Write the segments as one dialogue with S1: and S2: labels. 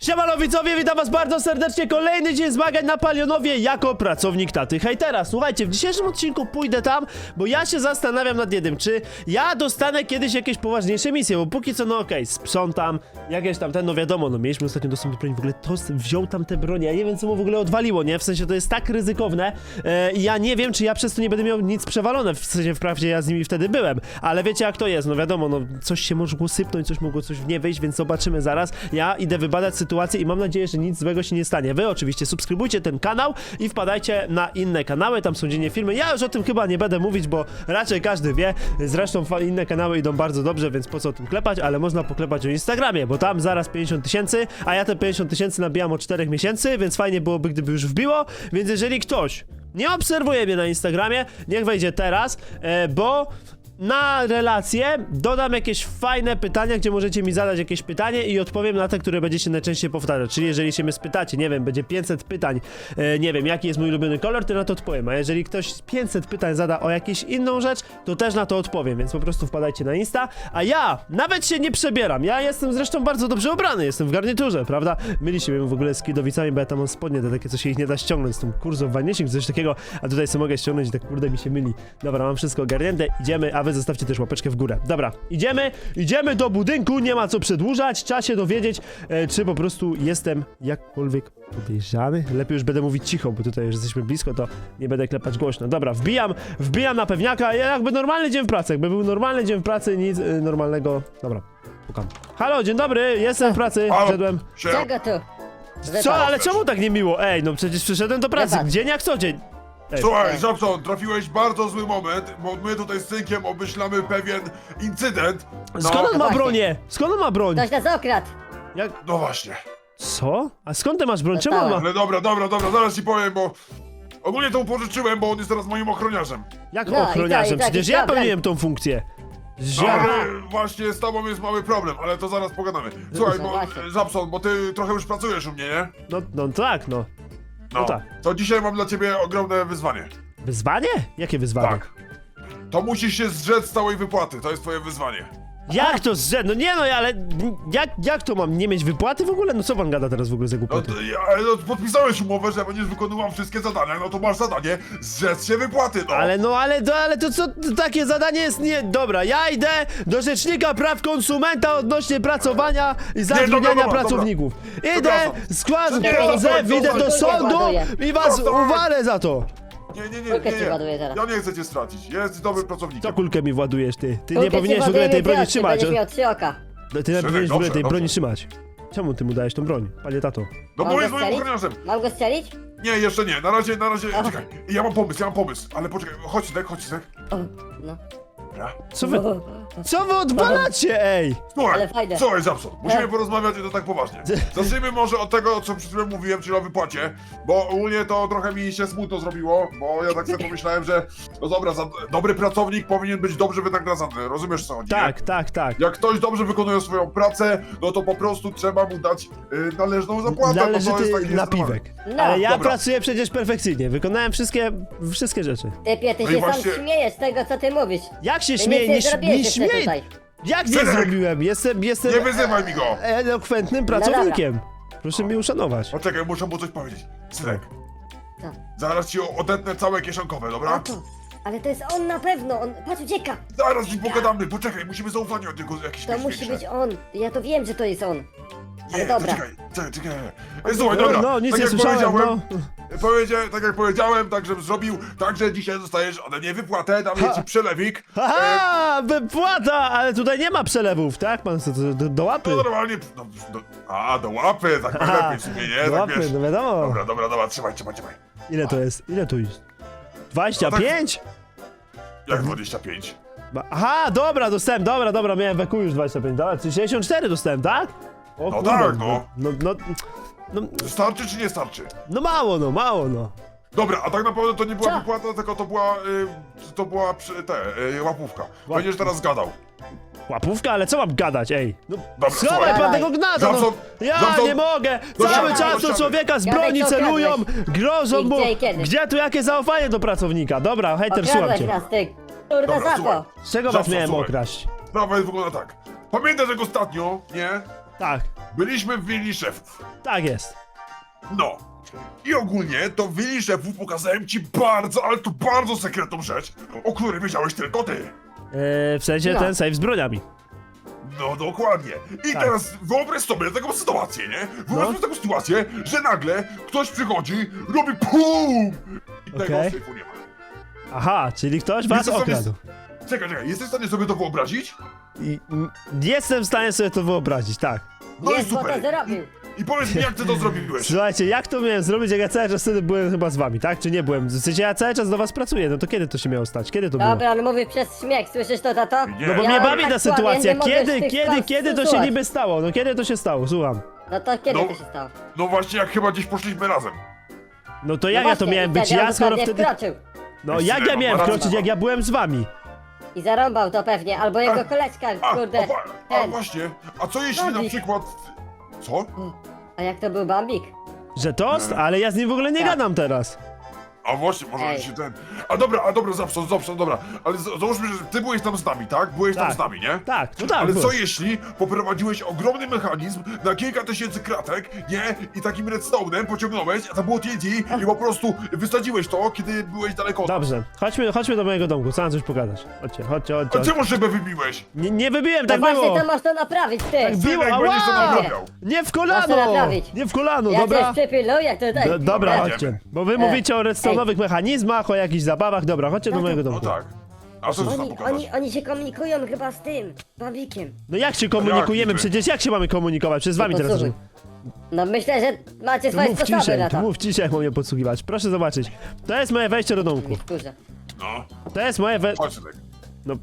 S1: Siemano widzowie, witam was bardzo serdecznie. Kolejny dzień zmagań na Palionowie jako pracownik taty hejtera. Słuchajcie, w dzisiejszym odcinku pójdę tam, bo ja się zastanawiam nad jednym, czy ja dostanę kiedyś jakieś poważniejsze misje, bo póki co, no okej, sprzątam, jakieś tam no wiadomo, no mieliśmy ostatnio dostęp do broni, w ogóle to wziął tam te bronie, ja nie wiem co mu w ogóle odwaliło, nie? W sensie to jest tak ryzykowne i ja nie wiem, czy ja przez to nie będę miał nic przewalone, w sensie wprawdzie ja z nimi wtedy byłem, ale wiecie jak to jest, no wiadomo, no coś się mogło sypnąć, coś mogło coś w nie wyjść, więc zobaczymy zaraz. Ja idę wybadać sytuację i mam nadzieję, że nic złego się nie stanie. Wy oczywiście subskrybujcie ten kanał i wpadajcie na inne kanały, tam są dziennie filmy. Ja już o tym chyba nie będę mówić, bo raczej każdy wie. Zresztą inne kanały idą bardzo dobrze, więc po co o tym klepać, ale można poklepać o Instagramie, bo tam zaraz 50 000, a ja te 50 000 nabijam od 4 miesięcy, więc fajnie byłoby, gdyby już wbiło. Więc jeżeli ktoś nie obserwuje mnie na Instagramie, niech wejdzie teraz, bo na relacje dodam jakieś fajne pytania, gdzie możecie mi zadać jakieś pytanie i odpowiem na te, które będziecie najczęściej powtarzać. Czyli jeżeli się mnie spytacie, nie wiem, będzie 500 pytań, nie wiem, jaki jest mój ulubiony kolor, to na to odpowiem. A jeżeli ktoś 500 pytań zada o jakąś inną rzecz, to też na to odpowiem, więc po prostu wpadajcie na Insta. A ja nawet się nie przebieram. Ja jestem zresztą bardzo dobrze ubrany, jestem w garniturze, prawda? Myliście mnie w ogóle z kidowicami, bo ja tam mam spodnie, te takie, co się ich nie da ściągnąć, z tą kurzą wanniesiek, coś takiego, a tutaj sobie mogę ściągnąć i tak kurde mi się myli. Dobra, mam wszystko ogarnięte, idziemy, a wy zostawcie też łapeczkę w górę. Dobra, idziemy do budynku, nie ma co przedłużać, trzeba się dowiedzieć, czy po prostu jestem jakkolwiek podejrzany. Lepiej już będę mówić cicho, bo tutaj już jesteśmy blisko, to nie będę klepać głośno. Dobra, wbijam na pewniaka, jakby normalny dzień w pracy, jakby był normalny dzień w pracy, nic normalnego. Dobra, pukam. Halo, dzień dobry, jestem w pracy, wszedłem.
S2: Czego tu?
S1: Co, ale czemu tak nie miło? Ej, no przecież przyszedłem do pracy,
S2: Wybacz.
S1: dzień jak co dzień. Ej.
S3: Słuchaj, Żabson, trafiłeś w bardzo zły moment, bo my tutaj z synkiem obmyślamy pewien incydent.
S1: Skąd on ma
S2: właśnie.
S1: bronię? Skąd on ma broń?
S2: Ktoś nas okradł.
S1: Jak...
S3: No właśnie.
S1: Co? A skąd ty masz broń? Czemu on ma...
S3: Ale dobra, zaraz ci powiem, bo ogólnie to mu pożyczyłem, bo on jest teraz moim ochroniarzem.
S1: Jak
S2: No,
S1: ochroniarzem?
S2: i tak,
S1: Przecież
S2: i
S1: ja
S2: problem.
S1: pełniłem tą funkcję.
S3: No,
S1: Ja...
S3: ale właśnie z tobą jest mały problem, ale to zaraz pogadamy. Słuchaj,
S2: No
S3: bo
S2: właśnie.
S3: Żabson, bo ty trochę już pracujesz u mnie, nie?
S1: No tak, no. No tak.
S3: To dzisiaj mam dla ciebie ogromne wyzwanie.
S1: Wyzwanie? Jakie wyzwanie?
S3: Tak. To musisz się zrzec z całej wypłaty, to jest twoje wyzwanie.
S1: Jak to zrzed? No nie no, ale... Jak to mam? Nie mieć wypłaty w ogóle? No co pan gada teraz w ogóle za
S3: No,
S1: głupoty?
S3: no podpisałeś umowę, że będziesz wykonywał wszystkie zadania, no to masz zadanie zrzec się wypłaty, no.
S1: Ale to co to takie zadanie jest nie... Dobra, ja idę do Rzecznika Praw Konsumenta odnośnie pracowania i zatrudniania
S3: dobra,
S1: pracowników. Idę,
S3: Przepraszam.
S1: składam
S3: Nie,
S1: pozew, idę do sądu i was
S3: Zostań.
S1: uwalę za to.
S2: Kulkę ci ładuję zaraz.
S3: Ja nie chcę cię stracić. Jest dobrym pracownikiem.
S1: Co kulkę mi władujesz, ty? Ty nie
S2: Kulkę ci
S1: powinieneś w ogóle
S2: ładujemy
S1: tej broni
S2: wiosny,
S1: trzymać.
S2: Będziesz miał 3 oka.
S1: Ty nie powinieneś w ogóle tej
S3: dobrze,
S1: broni
S3: dobrze.
S1: trzymać. Czemu ty mu dajesz tą broń, panie tato?
S3: No bo
S2: Mam
S3: jest
S2: go
S3: moim
S2: strzelić?
S3: ochroniarzem.
S2: Mam go strzelić?
S3: Nie, jeszcze nie. Na razie,
S2: Ach.
S3: czekaj. Ja mam pomysł. Ale poczekaj, chodź, Sek.
S2: O, no.
S3: Dobra.
S1: Co wy odwalacie, ej?
S2: Ale fajne.
S3: Słuchaj, Żabson, musimy
S2: Tak.
S3: porozmawiać i to tak poważnie. Zacznijmy może od tego, co przed chwilą mówiłem, czyli o wypłacie, bo ogólnie to trochę mi się smutno zrobiło, bo ja tak sobie pomyślałem, że no dobra, dobry pracownik powinien być dobrze wynagradzany, rozumiesz co chodzi? nie?
S1: Tak.
S3: Jak ktoś dobrze wykonuje swoją pracę, no to po prostu trzeba mu dać należną zapłatę. no to jest
S1: Należyty
S3: taki
S1: napiwek.
S2: No.
S1: Ale ja
S3: Dobra.
S1: pracuję przecież perfekcyjnie, wykonałem wszystkie rzeczy.
S2: Typie, ty
S3: No i
S2: się
S3: właśnie-
S2: sam śmiejesz z tego, co ty mówisz.
S1: Jak się
S2: Ty
S1: śmieję?
S2: nic nie zrobiłeś jeszcze
S1: śmieję.
S2: tutaj.
S1: Jak nie
S3: Synek!
S1: zrobiłem? Jestem
S3: Nie wyzywaj mi go!
S1: elokwentnym pracownikiem. Proszę mnie uszanować.
S3: Poczekaj, muszę mu coś powiedzieć. Synek,
S2: Co?
S3: zaraz ci odetnę całe kieszonkowe,
S2: O
S3: dobra?
S2: to. Ale to jest on na pewno, on, patrz, ucieka.
S3: Zaraz ci pogadamy, poczekaj, musimy zaufanie od niego jakieś
S2: To
S3: mieć
S2: musi
S3: większe.
S2: być on. Ja to wiem, że to jest on.
S3: Nie,
S2: Ale dobra.
S3: czekaj. Słuchaj, dobra,
S1: No, nic
S3: tak
S1: nie
S3: jak
S1: słyszałem,
S3: powiedziałem,
S1: no.
S3: tak jak powiedziałem, tak żebym zrobił, także dzisiaj dostajesz ode mnie wypłatę, dam ci przelewik.
S1: Haha, wypłata! Ale tutaj nie ma przelewów, tak? Pan chce do łapy.
S3: No normalnie, do łapy, tak
S1: Aha,
S3: najlepiej sobie, nie?
S1: do
S3: Tak
S1: łapy,
S3: wiesz.
S1: no wiadomo.
S3: Dobra, trzymaj.
S1: Ile to jest? Ile tu jest? 25?
S3: Jak 25?
S1: Aha, dobra, dostałem, dobra, miałem weku już 25, dobra, czyli 64 dostałem, tak? O
S3: No
S1: kurde,
S3: tak, no. Starczy czy nie starczy?
S1: No mało, no.
S3: Dobra, a tak naprawdę to nie była
S2: Co?
S3: wypłata, tylko to była łapówka. Będziesz teraz gadał.
S1: Łapówka, ale co mam gadać, ej? No,
S3: Dobra,
S1: schowaj
S3: słuchaj.
S1: pan tego gnata, no.
S3: Żabson,
S1: Ja
S3: Żabson,
S1: nie mogę!
S3: do
S1: Cały
S3: ściany,
S1: czas
S3: do
S1: do
S3: ściany.
S1: człowieka z
S2: Gadaj,
S1: broni
S2: co
S1: celują,
S2: okradłeś.
S1: grożą
S2: I
S1: mu.
S2: gdzie i kiedy?
S1: Gdzie tu jakie zaufanie do pracownika? Dobra, hejter, słucham
S2: Okradłeś
S1: cię.
S2: nas, ty. Kurde,
S3: Dobra,
S2: za
S3: słuchaj.
S2: to.
S1: Z czego was
S3: Żabson,
S1: miałem
S3: słuchaj.
S1: okraść?
S3: Sprawa jest wygląda tak. Pamiętasz jak ostatnio, nie?
S1: Tak,
S3: byliśmy w willi szefów.
S1: tak jest.
S3: No. I ogólnie to w willi szefów pokazałem ci bardzo, ale to bardzo sekretną rzecz, o której wiedziałeś tylko ty.
S1: W sensie
S2: No.
S1: ten safe z broniami.
S3: No dokładnie. I
S1: Tak.
S3: teraz wyobraź sobie taką sytuację, nie? Wyobraź sobie taką sytuację, że nagle ktoś przychodzi, robi PUM! I tego
S1: Okej.
S3: syfu nie ma.
S1: Aha, czyli ktoś was
S3: Jesteś sobie-
S1: okradł.
S3: Czekaj, jesteś w stanie sobie to wyobrazić?
S1: Jestem w stanie sobie to wyobrazić, tak.
S3: No
S2: Jest,
S3: i
S2: bo to
S3: super.
S2: zrobił.
S3: I powiedz mi, jak ty to zrobiłeś?
S1: Słuchajcie, jak to miałem zrobić, jak ja cały czas wtedy byłem chyba z wami, tak? Czy nie byłem? W sensie ja cały czas do was pracuję, no to kiedy to się miało stać? Kiedy to było?
S2: Dobra, on mówi przez śmiech, słyszysz to, tato?
S3: Nie.
S1: No bo
S3: Ja
S1: mnie bawi
S2: tak
S1: ta
S2: słabiej,
S1: sytuacja.
S2: nie mogę z tych
S1: Kiedy to się
S2: słuchać.
S1: niby stało? No kiedy to się stało? Słucham.
S2: No to kiedy
S3: No.
S2: to się stało?
S3: No właśnie, jak chyba gdzieś poszliśmy razem.
S1: No to
S2: No
S1: jak ja to
S2: właśnie,
S1: miałem
S2: i
S1: być?
S2: wtedy on
S1: Ja skoro
S2: dokładnie
S1: wtedy...
S2: wkroczył.
S1: No
S3: Jeszcze
S1: jak ja
S3: mam
S1: miałem
S3: rację.
S1: wkroczyć, jak ja byłem z wami?
S2: I zarąbał to pewnie, albo jego koleżka, kurde.
S3: A
S2: Ten.
S3: właśnie, a co jeśli na
S2: Bambik.
S3: przykład... Co?
S2: A jak to był Bambik?
S1: Że tost? Ale ja z nim w ogóle nie
S2: Tak.
S1: gadam teraz.
S3: A właśnie, może
S2: Ej.
S3: się ten... A dobra, zawsze, dobra. Ale załóżmy, że ty byłeś tam z nami, tak? Byłeś tam
S1: Tak.
S3: z nami, nie?
S1: Tak, no tak.
S3: Ale co
S1: byłem.
S3: jeśli poprowadziłeś ogromny mechanizm na kilka tysięcy kratek, nie? I takim redstone'em pociągnąłeś, a to było TNT i po prostu wysadziłeś to, kiedy byłeś daleko od nas.
S1: Dobrze, chodźmy do mojego domku, co mam coś pogadać. Chodźcie.
S3: A czemu szybę wybiłeś?
S1: Nie wybiłem,
S2: No
S1: tak
S2: właśnie,
S1: było.
S2: to masz to naprawić, ty!
S1: Tak było,
S3: Synek, będziesz to
S1: ała!
S3: naprawiał.
S1: Nie w
S2: Masz
S1: kolano!
S2: to naprawić.
S1: Nie w kolano,
S2: Ja
S1: dobra?
S2: też przypilnuję tutaj.
S1: Dobra,
S3: Dobra,
S1: chodźcie. Bo wy mówicie o redstone'owych mechanizmach, o jakichś zabawach. Dobra, chodźcie do mojego
S3: No
S1: domku.
S3: tak. A co ty tam
S2: Oni,
S3: pokazać?
S2: oni się komunikują chyba z tym, Bambikiem.
S1: No jak się komunikujemy?
S3: niby?
S1: Przecież jak się mamy komunikować? Przez wami
S2: No
S1: teraz.
S2: posłuchaj. No myślę, że macie
S1: To
S2: swoje
S1: mów
S2: sposoby
S1: ciszej,
S2: na to.
S1: jak mam mnie podsłuchiwać. Proszę zobaczyć. To jest moje wejście do domku.
S2: Nie wkurzę.
S3: No,
S1: To jest moje
S3: chodź synek.
S1: No,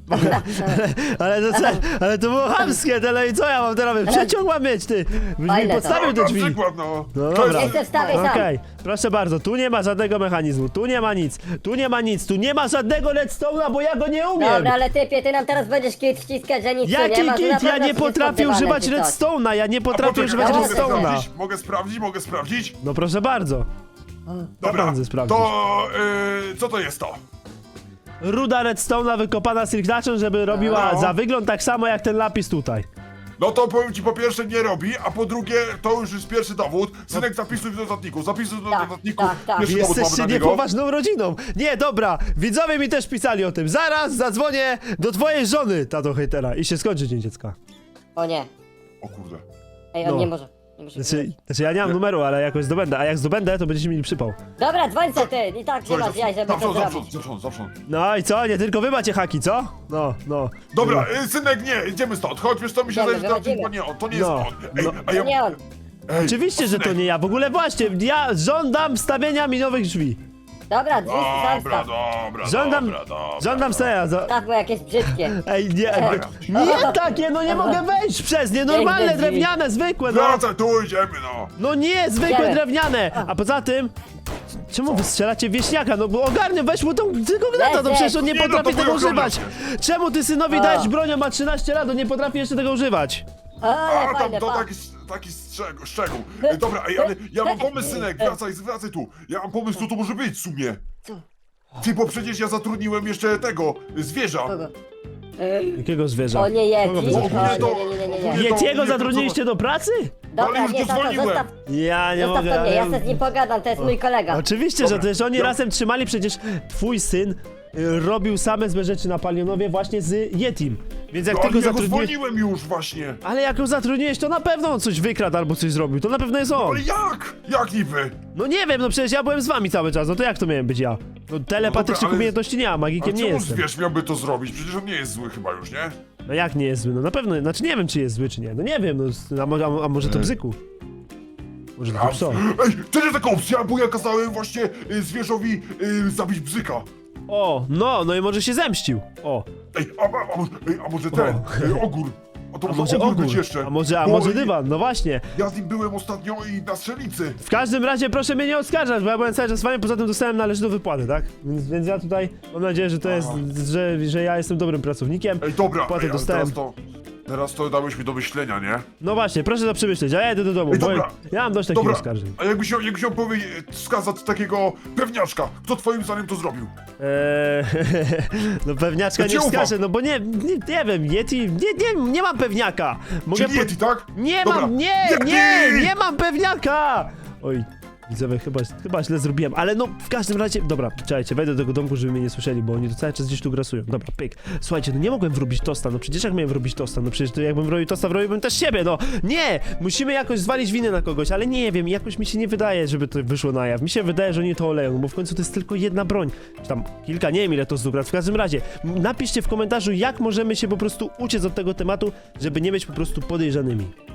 S1: ale to było chamskie, tyle i co ja mam teraz robić? Przeciąg mam mieć, ty! Byś mi
S2: Fajne to.
S1: podstawił te
S3: Na
S1: drzwi.
S3: przykład, no.
S1: No
S3: To
S1: dobra.
S3: jest-
S2: Jestem wstawię sam.
S1: Okej, proszę bardzo, tu nie ma żadnego mechanizmu, tu nie ma nic, tu nie ma żadnego redstone'a, bo ja go nie umiem!
S2: Dobra, ale typie, ty nam teraz będziesz kit wciskać, że nic tu nie
S1: Jaki
S2: ma. to
S1: kit?
S2: na
S1: Ja
S2: pewno
S1: nie
S2: coś
S1: potrafię
S2: jest
S1: używać
S2: podrywane czy coś.
S1: redstone'a, ja nie
S3: A
S1: potrafię
S3: poczekaj,
S1: używać
S2: mogę
S1: redstone'a.
S3: Mogę sprawdzić?
S1: No proszę bardzo.
S3: Dobra,
S1: Naprawdę sprawdzić.
S3: to co to jest to?
S1: Ruda redstone'a wykopana silknaczem, żeby robiła
S3: No.
S1: za wygląd tak samo jak ten lapis tutaj.
S3: No to powiem ci, po pierwsze nie robi, a po drugie to już jest pierwszy dowód. Synek, zapisuj w notatniku,
S2: Tak, tak.
S3: Pierwszy dowód mamy
S1: Jesteście
S3: na niego.
S1: niepoważną rodziną. Nie, dobra, widzowie mi też pisali o tym. Zaraz zadzwonię do twojej żony, tato hejtera, i się skończy dzień dziecka.
S2: O nie.
S3: O kurde.
S2: Ej, on
S1: No.
S2: nie może. Nie może.
S1: Znaczy ja nie mam numeru, ale jakoś zdobędę, a jak zdobędę, to będziecie mieli przypał.
S2: Dobra, dzwoń se ty, i tak nie masz jaj, żeby to zrobić.
S3: Zawsze.
S1: No i co, nie tylko wy macie haki, co? No.
S3: Dobra, synek, nie, idziemy stąd. Chodź, wiesz co, mi się
S2: Idziemy,
S3: zdaje, że to
S2: wychodzimy.
S3: nie on, to nie jest
S1: No,
S3: on. Ej,
S1: no.
S3: a ja...
S2: To nie on.
S3: Ej,
S1: Oczywiście, że to
S3: synek.
S1: nie ja. W ogóle właśnie, ja żądam stawienia mi nowych drzwi.
S2: Dobra, drzwi sam
S3: Dobra,
S2: staw.
S1: Żądam stawienia.
S2: Tak, bo jakieś brzydkie.
S1: Ej, nie takie, no nie mogę wejść przez nie, normalne,
S2: Piękne drzwi.
S1: drewniane, zwykłe, no.
S3: Wracaj, tu idziemy, no.
S1: No nie, zwykłe
S2: Idziemy.
S1: drewniane! A poza tym, czemu wy strzelacie w wieśniaka? No bo ogarnę, weź mu tego gnata, no przecież on nie
S3: Nie, no to
S1: potrafi tego
S3: moja ochrona
S1: używać. Czemu ty synowi
S2: A.
S1: dajesz bronią, ma 13 lat, on nie potrafi jeszcze tego używać?
S2: Ale
S3: A tam
S2: fajne,
S3: to
S2: pa.
S3: taki szczegół. Dobra, ej, ale ja mam pomysł, synek, wracaj tu. Ja mam pomysł, co to może być w sumie.
S2: Co?
S3: Ty, bo przecież ja zatrudniłem jeszcze tego, zwierza.
S2: Kogo?
S1: Jakiego zwierza?
S2: O nie, Yeti.
S1: Kogo wy
S2: O,
S1: zatrudniliście?
S2: nie.
S3: Ogólnie
S1: Yetiego
S3: nie,
S1: zatrudniliście do pracy?
S3: ale
S2: Dobra,
S3: już
S2: nie,
S3: go
S2: tato,
S3: zwolniłem.
S2: zostaw,
S1: Ja nie
S2: zostaw
S1: mogę,
S2: to mnie, ja
S1: ale...
S2: se z nim pogadam, to jest mój kolega.
S1: Oczywiście,
S3: Dobra,
S1: że też oni
S3: ja-
S1: razem trzymali, przecież twój syn robił same złe rzeczy na Palionowie właśnie z Yetim. Więc jak
S3: No,
S1: ty
S3: ale
S1: go
S3: ja go
S1: zatrudniłeś...
S3: zwolniłem już właśnie.
S1: Ale jak go zatrudniłeś, to na pewno on coś wykradł albo coś zrobił, to na pewno jest on.
S3: Ale jak? Jak niby?
S1: No nie wiem, no przecież ja byłem z wami cały czas, no to jak to miałem być ja? No telepatycznych
S3: ale-
S1: umiejętności nie mam,
S3: A
S1: magikiem nie
S3: czemu
S1: jestem.
S3: zwierz miałby to zrobić? Przecież on nie jest zły chyba już, nie?
S1: No jak nie jest zły? No na pewno, znaczy nie wiem czy jest zły czy nie, no nie wiem, no a może to bzyku? Może to pso?
S3: Ej, to nie taka opcja, bo ja kazałem właśnie zwierzowi zabić bzyka.
S1: O, no i może się zemścił. O,
S3: Ej, a może ten, ogór. A to
S1: a może
S3: ogór
S1: ogór,
S3: być jeszcze.
S1: a
S3: Bo
S1: może dywan, no właśnie.
S3: Ja z nim byłem ostatnio i na strzelnicy.
S1: W każdym razie proszę mnie nie oskarżać, bo ja byłem cały czas z wami, poza tym dostałem należytą wypłatę, tak? Więc ja tutaj mam nadzieję, że to jest, że ja jestem dobrym pracownikiem.
S3: Ej, dobra,
S1: Wypłatę
S3: ale
S1: dostałem.
S3: teraz to... Teraz to dałeś mi do myślenia, nie?
S1: No właśnie, proszę to przemyśleć, a ja jedę do domu,
S3: Ej,
S1: bo
S3: dobra.
S1: ja mam dość takich
S3: Dobra,
S1: oskarżeń.
S3: a jakbyś miał wskazać takiego pewniaczka, kto twoim zdaniem to zrobił?
S1: No pewniaczka
S3: Ja ci
S1: nie
S3: ufam.
S1: wskażę, no bo nie wiem, Yeti, nie mam pewniaka. Mogę
S3: Czyli Yeti, tak?
S1: Nie
S3: Dobra.
S1: mam,
S3: Yeti!
S1: nie mam pewniaka! Oj, widzowie, chyba źle zrobiłem, ale no w każdym razie, dobra, czekajcie, wejdę do tego domku, żeby mnie nie słyszeli, bo oni to cały czas gdzieś tu grasują. Dobra, pyk. Słuchajcie, no nie mogłem wrobić tosta, no przecież jak miałem wrobić tosta, no przecież to jakbym wrobił tosta, wrobiłbym też siebie, no. Nie! Musimy jakoś zwalić winę na kogoś, ale nie wiem, jakoś mi się nie wydaje, żeby to wyszło na jaw. Mi się wydaje, że oni to oleją, bo w końcu to jest tylko jedna broń. Czy tam kilka, nie wiem ile to zdugrać. W każdym razie, napiszcie w komentarzu, jak możemy się po prostu uciec od tego tematu, żeby nie być po prostu podejrzanymi.